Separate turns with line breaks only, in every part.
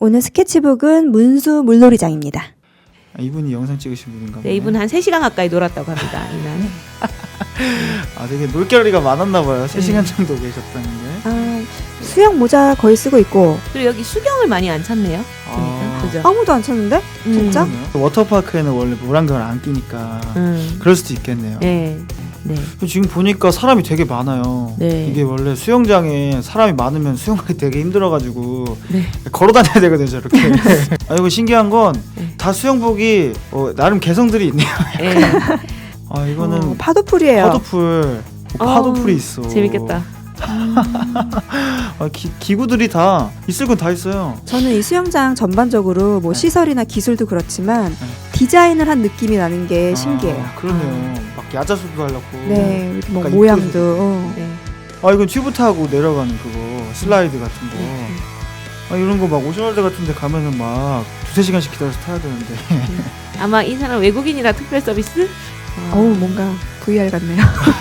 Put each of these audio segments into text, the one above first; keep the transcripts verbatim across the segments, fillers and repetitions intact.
오늘 스케치북은 문수 물놀이장입니다.
아, 이분이 영상 찍으신 분인가 보네.
네, 이분 한 세 시간 가까이 놀았다고 합니다. 이날.
아, 되게 놀거리가 많았나 봐요. 세 시간
네.
정도 계셨다는 게.
아, 수영 모자 거의 쓰고 있고
그리고 여기 수경을 많이 안 찾네요. 보니까.
아.
그죠?
아무도 안 쳤는데? 진짜?
음.
그러네요. 워터파크에는 원래 물안경을 안 끼니까
음.
그럴 수도 있겠네요.
네. 네.
지금 보니까 사람이 되게 많아요.
네.
이게 원래 수영장에 사람이 많으면 수영하기 되게 힘들어가지고
네.
걸어 다녀야 되거든요, 저렇게. 아, 이거 신기한 건 다
네.
수영복이 어, 나름 개성들이 있네요.
네.
아, 이거는
어, 파도풀이에요.
파도풀, 어, 파도풀이 있어.
재밌겠다.
아, 기, 기구들이 다 있을 건 다 있어요.
저는 이 수영장 전반적으로 뭐
네.
시설이나 기술도 그렇지만
네.
디자인을 한 느낌이 나는 게 신기해요.
아, 그러네요. 막 야자수도 하려고.
네, 이렇게 뭐
약간
모양도.
이쁘게.
어.
네.
아, 이건 튜브 타고 내려가는 그거 슬라이드 같은 거.
네.
아, 이런 거 막 오션월드 같은 데 가면은 막 두세 시간씩 기다려서 타야 되는데.
아마 이 사람 외국인이라 특별 서비스?
어우, 뭔가 브이알 같네요.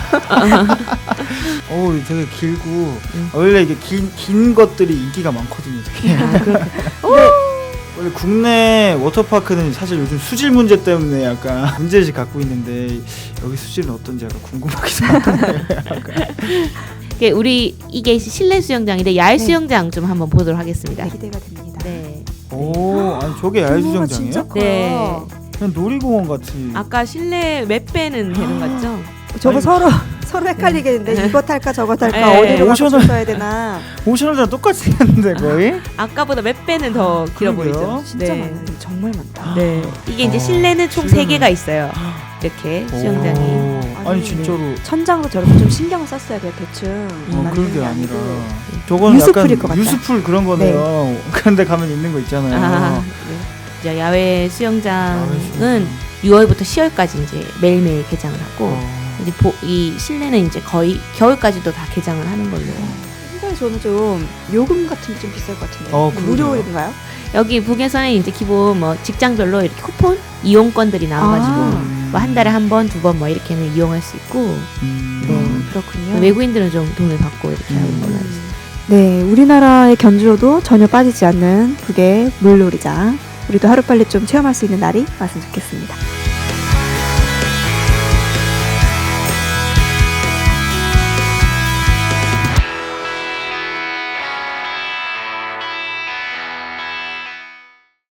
어우, 되게 길고.
음.
아, 원래 이게 긴, 긴 것들이 인기가 많거든요, 되게.
아, 그렇게.
원래 국내 워터파크는 사실 요즘 수질 문제 때문에 약간 문제의식 갖고 있는데 여기 수질은 어떤지 약간 궁금하기도 하던데.
이게 우리 이게 실내 수영장인데 야외
네.
수영장 좀 한번 보도록 하겠습니다.
네, 기대가 됩니다.
네.
오, 아니 저게 야외
규모가 진짜
수영장이에요?
커요.
네.
그냥 놀이공원 같이.
아까 실내 몇 배는 되는 것 같죠?
저거
아니,
서로 서로 헷갈리겠는데
네.
이거 탈까 저거 탈까
네.
어디로 가서
오션을-
써야 되나.
오션월드랑 똑같이 생겼는데 거의?
아까보다 몇 배는 더 길어
그러게요.
보이죠?
진짜
네.
많아요. 정말 많다.
네. 이게 이제
어,
실내는 총
실내는-
세 개가 있어요. 이렇게 수영장이.
오, 아니
아니,
진짜로.
천장도 저렇게 좀 신경을 썼어야 돼요. 대충.
어,
만드는
그런 게
게
아니라
아니고.
저거는
유수풀일
약간
것 같다.
유수풀 그런 거네요. 그런데 가면 있는 거 있잖아요.
아, 네. 이제 야외 수영장은
야외 수영장.
유월부터 시월까지 이제 매일매일 개장을 하고
어.
이제 보, 이 실내는 이제 거의 겨울까지도 다 개장을 하는 걸로.
생각에 저는 좀 요금 같은 게 좀 비쌀 것 같은데.
어, 그러게요.
무료인가요?
여기 북에서는 이제 기본 뭐 직장별로 이렇게 쿠폰 이용권들이 나와가지고
아.
뭐 한 달에 한 번, 두 번 뭐 이렇게는 이용할 수 있고
음.
네.
음, 그렇군요.
외국인들은 좀 돈을 받고 이렇게
음.
하는 걸로 알고 있어요.
네, 우리나라의 견주로도 전혀 빠지지 않는 북의 물놀이장. 우리도 하루빨리 좀 체험할 수 있는 날이 왔으면 좋겠습니다.